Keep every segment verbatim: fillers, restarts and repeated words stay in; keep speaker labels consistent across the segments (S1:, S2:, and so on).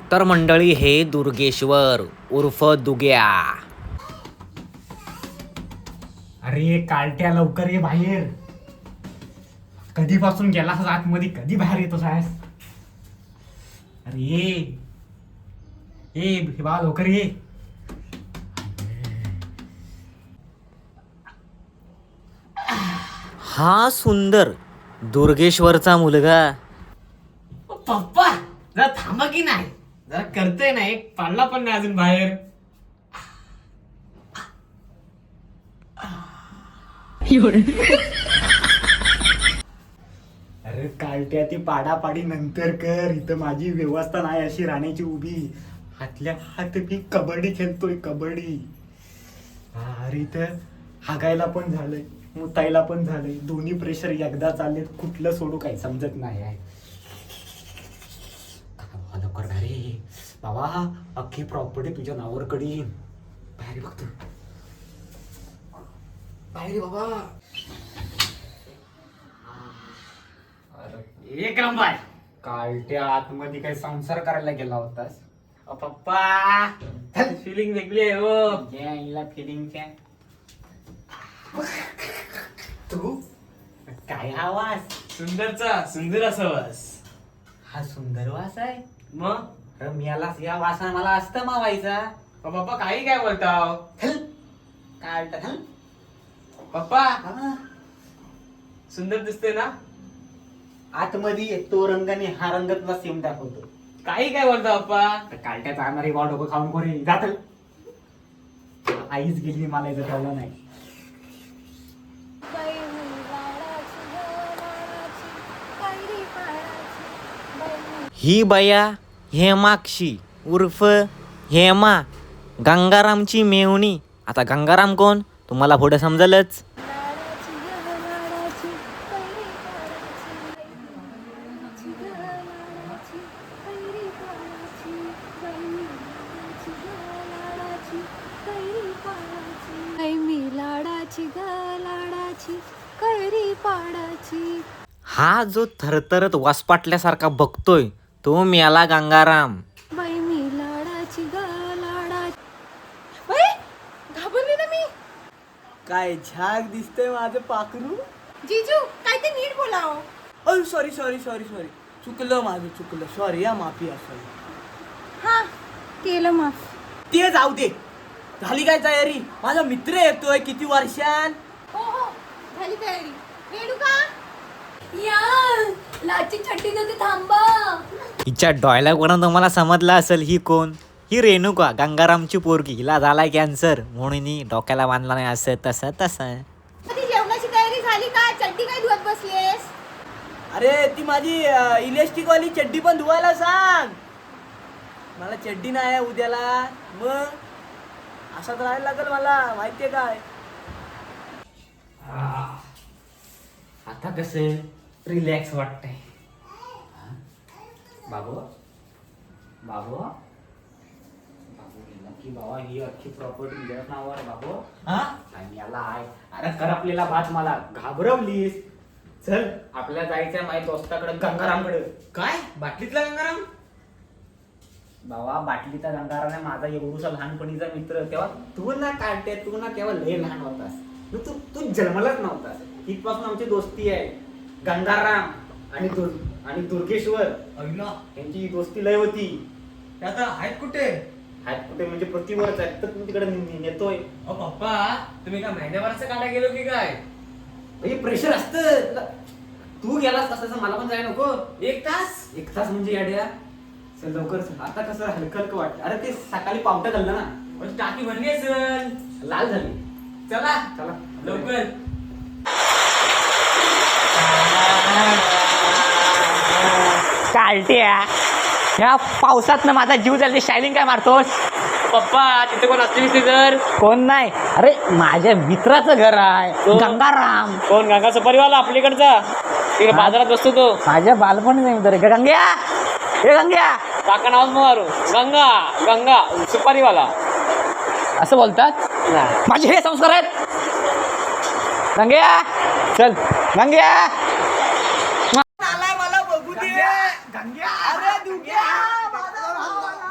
S1: तर मंडळी हे दुर्गेश्वर उर्फ दुग्या.
S2: अरे कालट्या लवकर ये बाहेर. कधीपासून गेलास आतमध्ये, कधी बाहेर येतो सायस? अरे ये ये बा लवकर ये.
S1: हा सुंदर दुर्गेश्वरचा मुलगा.
S2: पप्पा जरा थांबा की नाही, जरा करतोय ना, एक पाडला पण नाही अजून बाहेर. अरे कालट्या ती पाडापाडी नंतर कर, इथं माझी व्यवस्था नाही अशी राहण्याची उभी. हातल्या हात मी कबड्डी खेळतोय, कबड्डी. अरे इथं हागायला पण झालंय, मुतायला पण झालंय, दोन्ही प्रेशर एकदा चालले, कुठलं सोडू काही समजत नाही आहे. लवकर अरे बाबा, अख्खी प्रॉपर्टी तुझ्या नावावर कडीन. बाहेर बघतो, बाहेर बाबा. एक नंबर. कालट्या आतमध्ये काही संसार करायला गेला होतास? अ पप्पा फिलिंग वेगळी आहे हो. फिलिंगच्या तू काय आवाज?
S3: सुंदरचा सुंदर असा वास.
S2: हा सुंदर वास आहे.
S3: मग
S2: रम्याला या वासा मला असतं मावायचा.
S3: पप्पा काही काय बोलताव?
S2: कालटा हल.
S3: पप्पा सुंदर दिसते ना?
S2: आतमध्ये तो रंगाने हा रंग तुला सेम दाखवतो.
S3: काही काय बोलता पप्पा?
S2: कालट्या चालणारी वा डोकं खाऊन कोणी जात. आईच गेली, मला इथं ठेवलं नाही.
S1: ही बया हेमाक्षी उर्फ हेमा, गंगारामची मेवणी. आता गंगाराम कोण तुम्हाला पुढे समजलंच. हा जो थरथरत वासपाटल्यासारखा बघतोय तो मेला गंगाराम.
S4: घाबरली ना मी.
S5: काय झाक दिसतंय माझं पाखरू.
S4: जीजू काय ते नीट बोलाव.
S5: अय सॉरी सॉरी सॉरी सॉरी चुकलं माझं, चुकलं. सॉरी या, माफी असेल.
S4: हा केलं माफ.
S5: ते जाऊ दे. झाली काय तयारी? माझा मित्र येतोय किती वर्षान.
S4: हो हो झाली तयारी. रेडू का? या लाची छट्टी देते, थांबा.
S1: हिच्या डॉयलॉगवरून तुम्हाला समजलं असेल ही कोण. ही रेणुका, गंगारामची पोरगी. हिला झालाय कॅन्सर म्हणून ही डोक्याला बांधला नाही, असं तसं तसं.
S4: कधी जेवणाची तयारी झाली का? चड्डी काय धुवत बसलेस?
S5: अरे ती माझी इलेक्ट्रिक वाली चड्डी पण धुवायला सांग. मला चड्डी नाही आहे उद्याला. मग असाच राहायला लागेल मला, माहितीये काय.
S2: आता कसं रिलॅक्स वाटतंय. बाबू बाबू बाबू गेला की बाबा, ही अख्खी प्रॉपर्टी तुझ्या नावावर. बाबू हा आणि याला आहे. अरे कर आपल्याला बात, मला घाबरवलीस. चल आपल्याला जायचंय माझ्या दोस्ताकडे, गंगारामकडे.
S3: काय बाटलीतला गंगाराम?
S2: बाबा बाटलीचा गंगाराम आहे माझा एवढूसा लहानपणीचा मित्र. तेव्हा तू ना काढते, तू ना तेव्हा लय लहान होतास. तू तू जन्मलाच नव्हतास. इथपासून आमची दोस्ती आहे. गंगाराम आणि दुर् आणि दुर्गेश्वर
S3: अविना
S2: यांची दोस्ती लय होती.
S3: ते आता आहेत कुठे?
S2: आहेत कुठे म्हणजे प्रतिवर्ष आहेत, तर तू तिकडे ने- नेतोय.
S3: अ पप्पा तुम्ही काय महिन्याभराचं काढा गेलो की काय?
S2: हे प्रेशर असतं. तू गेलास कसं, मला पण जाय नको.
S3: एक तास?
S2: एक तास म्हणजे याड्या. चल लवकर चल. आता कसं हलकं हलकं वाटतं. अरे ते सकाळी पावटा घाललं ना,
S3: पण टाकी भरली असेल.
S2: लाल झाली.
S3: चला
S2: चला
S3: लवकर.
S6: कालट्या ह्या पावसात ना माझा जीव जायला शायलिंग काय मारतोस?
S3: पप्पा तिथे कोण असते दिसते तर?
S6: कोण नाही. अरे माझ्या मित्राचं घर आहे, गंगाराम.
S3: कोण? गंगाचा परिवार आपल्याकडचा, तिकडे बाजारात बसतो तो.
S6: माझ्या बालपणी नाही मित्र. गंग्या, हे गंग्या,
S3: काका नाव मारू. गंगा गंगा सुपारीवाला.
S6: असं बोलतात. माझे हे संस्कार आहेत. गंग्या चल, गंग्या.
S5: मला बघू दे. अरे दुग्या, माझा भाऊ आला.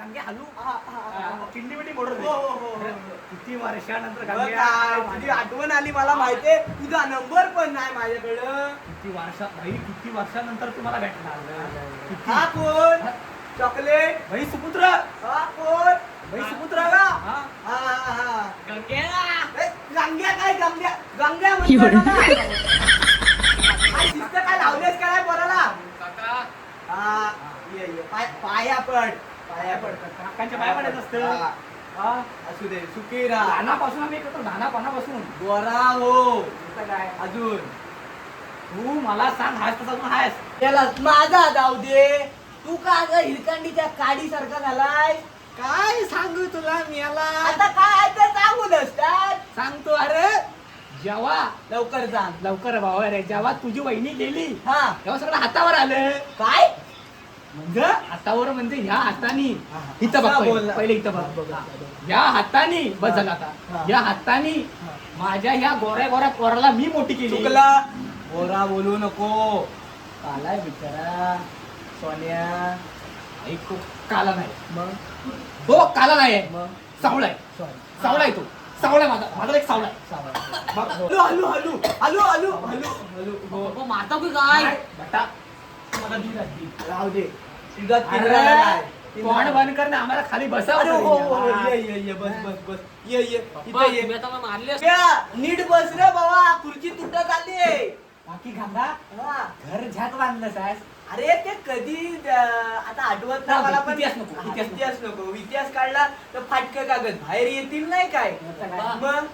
S2: गंगे हलू
S5: हा, हा, हा.
S2: किंडी बिंडी मोडून
S5: हो, हो, हो, हो.
S2: किती वर्षानंतर
S5: बघ
S2: गंग्या
S5: काय, तुझी आठवण आली मला माहितीये तुझा नंबर पण नाही माझ्याकडं.
S2: किती वर्षा भाई किती वर्षानंतर तुम्हाला भेटणार किती
S5: हा कोण चॉकलेट
S2: भाई सुपुत्र
S5: हा कोण
S2: भाई सुपुत्र
S5: का
S2: हा
S5: हा हा हा
S3: गंग्या
S5: ए, गंग्या काय गंग्या गंग्या म्हणतो ना. काय शिस्त काय लावलेस काय पोराला
S3: काका
S5: हा ये ये पाय पाया पड पाया पड
S2: काकांच्या पाया पडायचं असतं
S5: हा,
S2: हा
S5: असू दे सुखी राहा
S2: धानापासून आम्ही करतो धानापानापासून
S5: गोरा हो
S2: इथं काय
S5: अजून
S2: तू मला सांग हायस तसा अजून हायस
S5: त्याला माझा जाऊ दे तू का ग हिरकंडीच्या काडी सारखा झालाय
S2: काय सांगू तुला मी याला
S5: आता काय ते सांगू नसतात
S2: सांगतो अरे जेव्हा
S5: लवकर सांग
S2: लवकर भावा रे जेव्हा तुझी वहिनी गेली
S5: हा
S2: तेव्हा सगळं हातावर आलं
S5: काय
S2: म्हणजे हातावर म्हणजे ह्या हातानी
S5: हा, हा.
S2: इथं बघ
S5: असं
S2: पहिले.
S5: बोलला.
S2: पहिले इथं बघ हा. या हातानी बस झालं
S5: हा.
S2: आता या हातानी माझ्या ह्या गोऱ्या गोऱ्या पोराला मी मोठी केली
S5: चुकला गोरा बोलू नको कालाय बिचारा सोन्या
S2: ऐकू काला नाही
S5: मग
S2: तो काला नाही आहे.
S5: मग
S2: सावळा आहे सावळा आहे तो सावळा आहे माझा माझा एक सावळा आहे बघ.
S5: हलू हलू हलू हलू हलू हलू हलू
S3: बाबा मारता की काय
S2: नाही, बेटा मला दी लागली.
S5: राहू दे तुझा
S2: अरे,
S5: तिघाला नाही.
S2: तोंड बंद कर ना आम्हाला खाली
S5: अरे
S2: बसावं
S5: हो हो हो,
S2: तरी.
S5: ये ये ये बस बस बस ये ये
S3: बाबा,
S5: इथे ये
S3: तुम्ही आता मला मारली असती.
S5: या, नीट बस रे बाबा खुर्ची तुटत आली
S2: बाकी गंगा
S5: हा.
S2: घर झ्याक बांधलं साहेब
S5: अरे ते कधी अं, आता आठवत नाही मला पण
S2: इतिहास नको,
S5: हा,
S2: इतिहास नको.
S5: इतिहास नको इतिहास काढला तर फाटकं कागद बाहेर येतील नाही काय
S2: काय?
S5: मग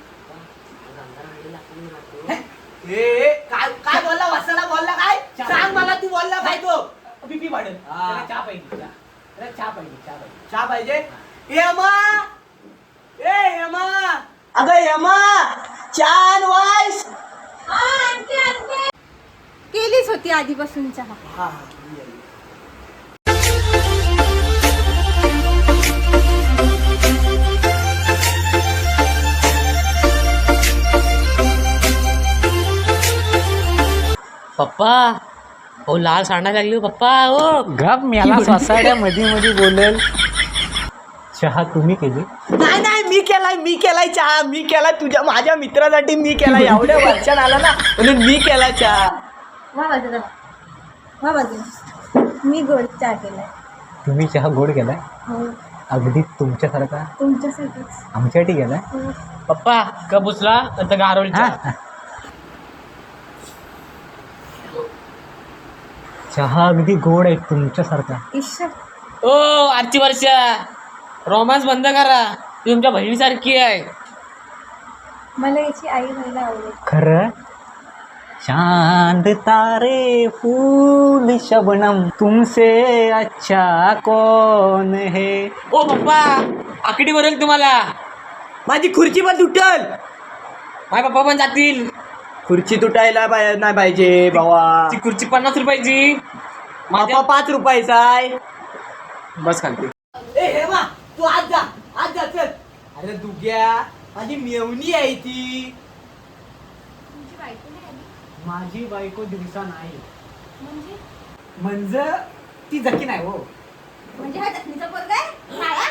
S5: हे, हे, काय काय बोलला वसाला बोलला काय सांग मला तू बोलला काय तो
S2: बीपी वाढेल
S5: हा.
S2: त्याला चहा पाहिजे चहा. त्याला चहा पाहिजे चहा पाहिजे
S5: चहा पाहिजे यमा ए यमा अगं यमा छान वाईस
S4: केलीच होती आधीपासून चहा.
S5: हा हा ये, ये.
S3: पप्पा हो लाल सांडायला लागली हो, पप्पा हो
S1: गप मला सोसायट्या मध्ये मध्ये बोलेल चहा तुम्ही केली
S5: नाही नाही मी केलाय मी केलाय चहा मी केलाय तुझ्या माझ्या मित्रासाठी मी केलाय एवढ्या वर्षात आला ना म्हणून मी केलाय चहा
S4: वा बाजूला वा बाजूला मी गोड चहा केलाय.
S1: तुम्ही चहा गोड केलाय
S4: हो
S1: अगदी तुमच्यासारखा
S4: तुमच्यासाठीच.
S1: आमच्यासाठी गेलाय
S4: हो.
S3: पप्पा कप उचला आता गारवली
S1: हा. चहा अगदी गोड आहे तुमच्यासारखा
S4: ईश्वर
S3: ओ आजची वर्ष रोमांस बंद करा ती तुमच्या बहिणीसारखी आहे
S4: मला याची आई व्हायला आवडेल.
S1: खरं चांद तारे फूल शबनम तुमसे अच्छा कौन है
S3: ओ पप्पा आकडी बरेल तुम्हाला
S5: माझी खुर्ची पण तुटल
S3: माझे पप्पा पण जातील
S5: खुर्ची तुटायला पाय- नाही पाहिजे भावा
S3: ती खुर्ची पन्नास रुपयाची
S5: बापा पाच रुपयाचा आहे
S3: बस खालती
S5: ए हेमा तू आज जा आज जा चल अरे दुग्या माझी मेवणी आहे ती
S4: तुमची बायको नाही आली
S2: माझी बायको दिवसा नाही
S4: म्हणजे
S2: म्हणजे ती जकी नाही हो
S4: म्हणजे हा चटणीचा पोरगा आहे काळा?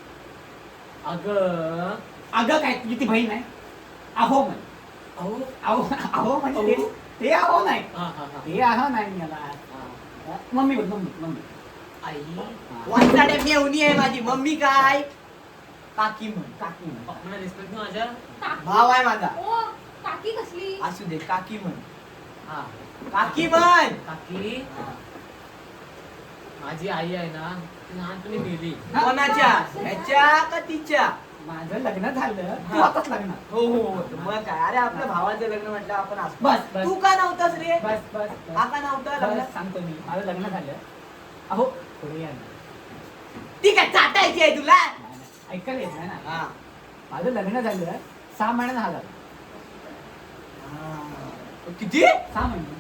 S2: अगं अगं काय तुझी ती बहीण आहे अहो म्हण
S3: अहो
S2: अहो अहो म्हणजे ते- ते अहो नाही
S3: हा हा हा
S2: ते अहो नाही मला मम्मी बोल मम्मी मम्मी
S3: आई
S5: वाचाड्या मेवणी आहे माझी मम्मी काय काकी म्हण
S2: काकी म्हण.
S3: पप्पांना रिस्पेक्ट माझ्या
S4: काकी.
S5: भाव आहे माझा
S4: ओ काकी कसली?
S5: असू दे काकी म्हण
S3: हा
S5: काकी म्हण
S3: काकी माझी आई आहे ना ती लहानपणी गेली
S5: कोणाच्या ह्याच्या का तिच्या
S2: माझं लग्न झालं तू
S5: हा.
S2: आताच लग्न
S5: हो हो हो. मग काय अरे आपल्या भावाचं लग्न म्हटलं आपण असतो.
S2: बस, बस.
S5: तू का नव्हतास रे
S2: बस बस
S5: हा
S2: बस
S5: का नव्हता लग्न
S2: बस, सांगतो मी माझं लग्न झालं अहो पुढे या ना.
S5: ती काय चाटायची आहे तुला
S2: नाही, नाही. ऐकायला येत नाही ना
S5: हा
S2: माझं लग्न झालं सहा महिन्यानं हा झाला
S5: हा. किती
S2: सहा महिने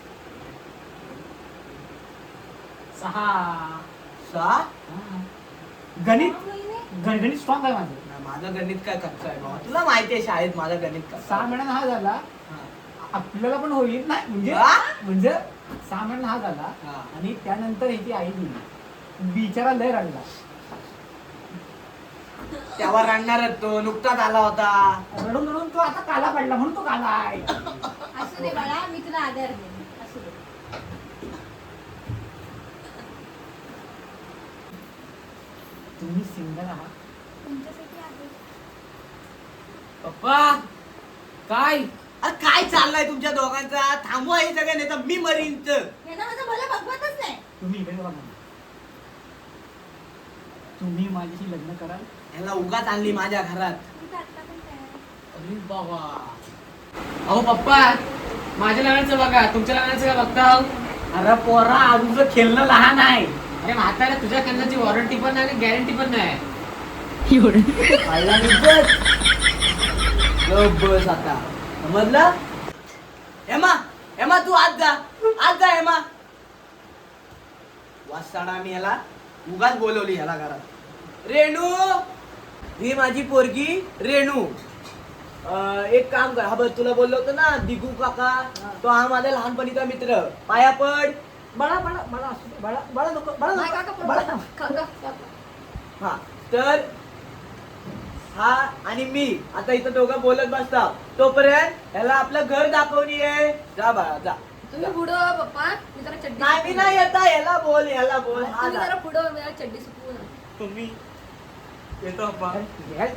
S2: सहा
S5: सहा
S2: हा. गणित
S4: महिने?
S2: गणित स्ट्रॉंग आहे माझं
S5: नाही, माझं गणित काय कच्चं आहे बाबा तुला माहिती आहे शाळेत माझं गणित कसं
S2: सहा
S5: आहे.
S2: महिन्यानं हा झाला
S5: हा.
S2: आपल्याला पण होईल नाही म्हणजे
S5: हा?
S2: म्हणजे सहा महिन्यानं हा झाला
S5: हा.
S2: आणि त्यानंतर ह्याची आई गेली बिचारा लय रडला
S5: तेव्हा रडणारच तो नुकताच आला होता.
S6: रडून रडून तो आता काला पडला म्हणून तो काला आहे.
S4: असू दे बाळा, मी तुला आधार देईन. असू दे.
S6: तुम्ही सिंगल आहात?
S4: तुमच्यासाठी आहे.
S3: पप्पा काय
S5: अरे काय चाललंय तुमच्या दोघांचा? थांबवा हे सगळं नाही तर मी मरीन तर.
S4: यांना माझं भलं बघवतच नाही.
S6: तुम्ही इकडे बघा. तुम्ही माझ्याशी लग्न कराल?
S5: ह्याला उगाच आणली माझ्या घरात.
S4: मी तर आत्ता पण तयार आहे.
S3: अरे बाबा अहो पप्पा माझ्या लग्नाचं बघा तुमच्या लग्नाचं काय बघता
S6: अरे पोरा तुझं खेळणं लहान आहे.
S3: अरे म्हातारा तुझ्या कन्नाची वॉरंटी पण नाही आणि गॅरंटी पण नाही.
S5: खायला निघत. गप बस आता समजलं? हेमा हेमा तू आज जा आज जा हेमा. वाजताना मी ह्याला उगाच बोलवली ह्याला घरात. रेणू ही माझी पोरगी रेणू. अं, एक काम कर, हा बघ तुला बोललो होतो ना दिगू काका, तो हा माझा लहानपणीचा मित्र. पाया पड.
S6: बळा बळा बळा असू दे. बळा बळा नको बळा
S4: नाही
S6: नको.
S4: काका, पण
S6: बळा.
S4: काका, काका.
S5: हा तर हा आणि मी आता इथं दोघं बोलत बसता तोपर्यंत ह्याला आपलं घर दाखवणी आहे. जा बाळा जा.
S4: तुम्ही पुढं हो, पप्पा. मी जरा चड्डी
S5: नाही मी
S4: सुकवून
S5: नाही येता ह्याला बोल ह्याला बोल.
S4: आणते.
S5: हा
S4: तुम्ही
S5: जा.
S4: जरा पुढं हो, मी जरा चड्डी सुकवून आणते.
S5: तुम्ही येतो अप्पा.
S6: हे,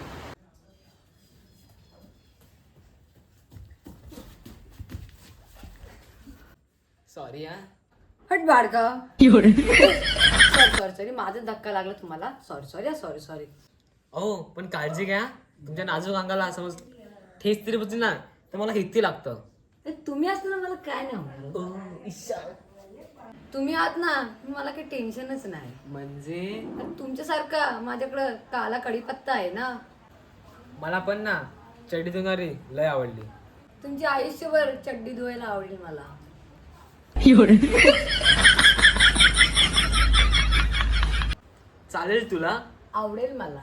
S3: सॉरी हा
S4: हट बाळका. सॉरी सॉरी सॉरी माझा धक्का लागला तुम्हाला. Sorry sorry sorry sorry.
S3: अहो पण काळजी घ्या तुमच्या नाजूक अंगाला समज ठेच तरी बसली ना तर मला हिती लागतं.
S4: तुम्ही असताना मला काय नाही होणार. तुम्ही आहात ना मला काही टेन्शनच नाही.
S3: म्हणजे
S4: आणि तुमच्यासारखा माझ्याकडं काला कढीपत्ता आहे ना.
S3: मला पण ना चड्डी धुणारी लय आवडली.
S4: तुमची आयुष्यभर चड्डी धुवायला आवडेल मला.
S3: चालेल तुला?
S4: आवडेल मला.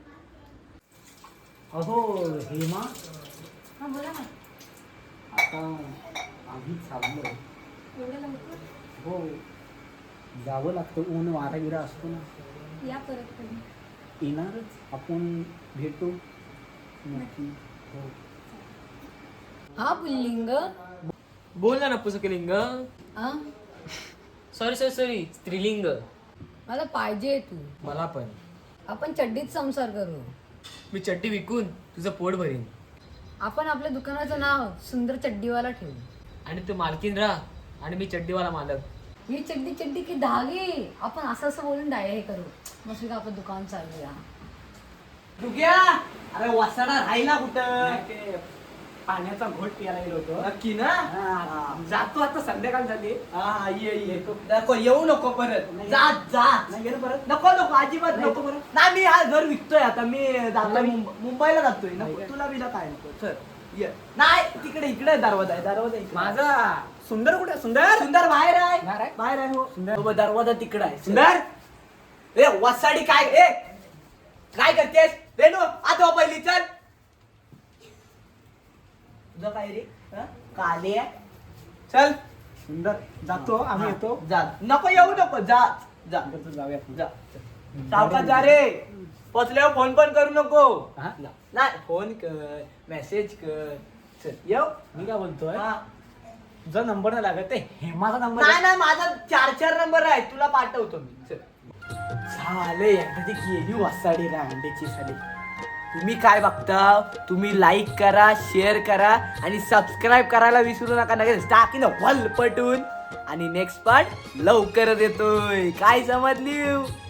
S6: अहो हेमा,
S4: हा बोला ना.
S6: आता आम्ही चाललो.
S4: एवढं लवकर
S6: हो जावं लागतं. ऊन वारा गिरा असतो ना.
S4: या परत कधी.
S6: येणारच आपण भेटू नक्की. हो
S4: हा पुल्लिंग.
S3: बोल ना नपुसकलिंग.
S4: हा
S3: सॉरी सॉरी सॉरी स्त्रीलिंग.
S4: मला पाहिजे तू.
S3: मला पण.
S4: आपण चड्डीत संसार करू.
S3: मी चड्डी विकून तुझं पोट भरीन
S4: आपण आपल्या दुकानाचं नाव सुंदर चड्डीवाला ठेवू.
S3: आणि तू मालकीन राहा आणि मी चड्डीवाला मालक.
S4: ही चड्डी चड्डी की धागे. आपण असं असं बोलून डायरेक्ट करू. मस्त आपलं दुकान चालूया.
S5: दुग्या अरे वासाडा राहिला कुठं?
S6: ते पाण्याचा घोट प्यायला गेलो होतो.
S5: नक्की ना?
S6: हा, जातो आता संध्याकाळ झाली.
S5: हा ये ये नको येऊ नको परत.
S6: नाही.
S5: जा जा
S6: नाही गेलं परत.
S5: नको नको अजिबात
S6: नाही.
S5: नको बरं. नाही मी हा घर विकतोय आता. मी जातोय
S6: नाही.
S5: मुंब- मुंबईला जातोय.
S6: नाही
S5: नको
S6: का?
S5: तुला बिला काय नको. चल ये. नाही तिकडे इकडे दरवाजा आहे दरवाजा इकडे.
S6: माझा सुंदर कुठे? सुंदर
S5: सुंदर बाहेर आहे.
S6: बाहेर आहे?
S5: बाहेर आहे हो.
S6: सुंदर.
S5: हो, दरवाजा तिकडे आहे.
S6: सुंदर
S5: ए वसाडी काय ए काय करतेस रेणू आता हो पहिली चल. तुझं काय रे हं? काले आहे? चल
S6: सुंदर जातो आम्ही.
S5: हा,
S6: येतो.
S5: जा नको येऊ नको जा जा
S6: नंतर जाऊया आपण.
S5: जा सावकाश जा रे. पोचल्यावर फोन पण करू नको.
S6: हा?
S5: नाही फोन कर मेसेज कर. चल येऊ.
S6: मी काय बोलतोय,
S5: हा.
S6: तुझा नंबर नाही लागत. ते हेमाचा नंबर
S5: नाही नाही माझा चार चार नंबर आहे तुला पाठवतो मी. चल झाले एकदा ती गेली वसाडी ना अंड्याची साडी. तुम्ही काय बघता? तुम्ही लाईक करा शेअर करा आणि सबस्क्राईब करायला विसरू नका. नक्कीच टाकी ना वल पटून. आणि नेक्स्ट पार्ट लवकरच येतोय. काय समजली?